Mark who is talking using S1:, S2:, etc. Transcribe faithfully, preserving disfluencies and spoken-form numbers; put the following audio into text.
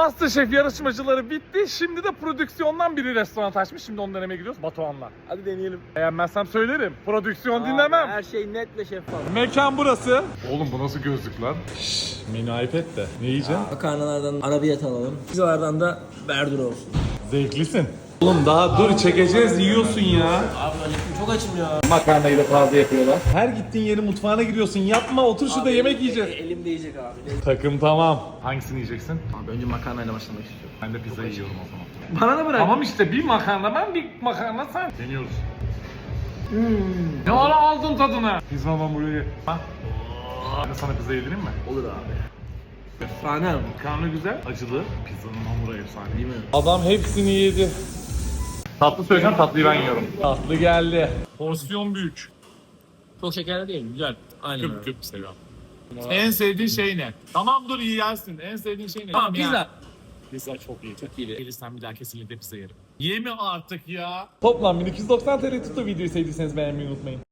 S1: MasterChef yarışmacıları bitti. Şimdi de prodüksiyondan biri restoran açmış. Şimdi onu denemeye gidiyoruz Batuhan'la.
S2: Hadi deneyelim.
S1: Beğenmezsem söylerim. Prodüksiyon
S2: Abi,
S1: dinlemem.
S2: Her şey netle şeffaf.
S1: Mekan burası. Oğlum bu nasıl gözlük lan? Şşş, mini iPad de. Ne yiyeceksin?
S2: Makarnalardan arabiyet alalım. Pizzalardan da berdur olsun.
S1: Zevklisin. Oğlum daha dur çekeceğiz yiyorsun ya.
S2: Abi acıktım, çok açım ya.
S1: Makarnayı da fazla yapıyorlar. Her gittiğin yerin mutfağına giriyorsun. Yapma otur şurada
S2: Abi,
S1: yemek yiyeceğiz.
S2: e- Elimde yiyecek abi.
S1: Takım tamam. Hangisini yiyeceksin?
S2: Abi önce makarnayla başlamak istiyorum.
S1: Ben de pizza yiyorum o zaman.
S2: Bana da bırak.
S1: Tamam işte bir makarna ben bir makarna sen. Deniyoruz.
S2: Hmm.
S1: Ne ara aldın tadını? Pizza hamburgeri. Ha? Ben de sana pizza yedireyim mi?
S2: Olur abi. Efsane.
S1: Makarna güzel, acılı. Pizzanın hamuru efsane.
S2: Değil mi?
S1: Adam hepsini yedi. Tatlı söyleyeceğim, tatlıyı ben yiyorum. Tatlı geldi. Porsiyon büyük.
S2: Çok şekerli değil, güzel. Aynen
S3: Küp
S2: öyle.
S3: küp seviyorum. En sevdiğin şey ne? Tamam dur iyi yersin. En sevdiğin şey ne?
S2: Tamam, pizza.
S3: Pizza çok iyi. Çok
S2: iyi.
S3: Gelirsen bir daha kesinlikle pizza yerim. Yeme artık ya.
S1: Toplam bin iki yüz doksan T L tuttu. Videoyu sevdiyseniz beğenmeyi unutmayın.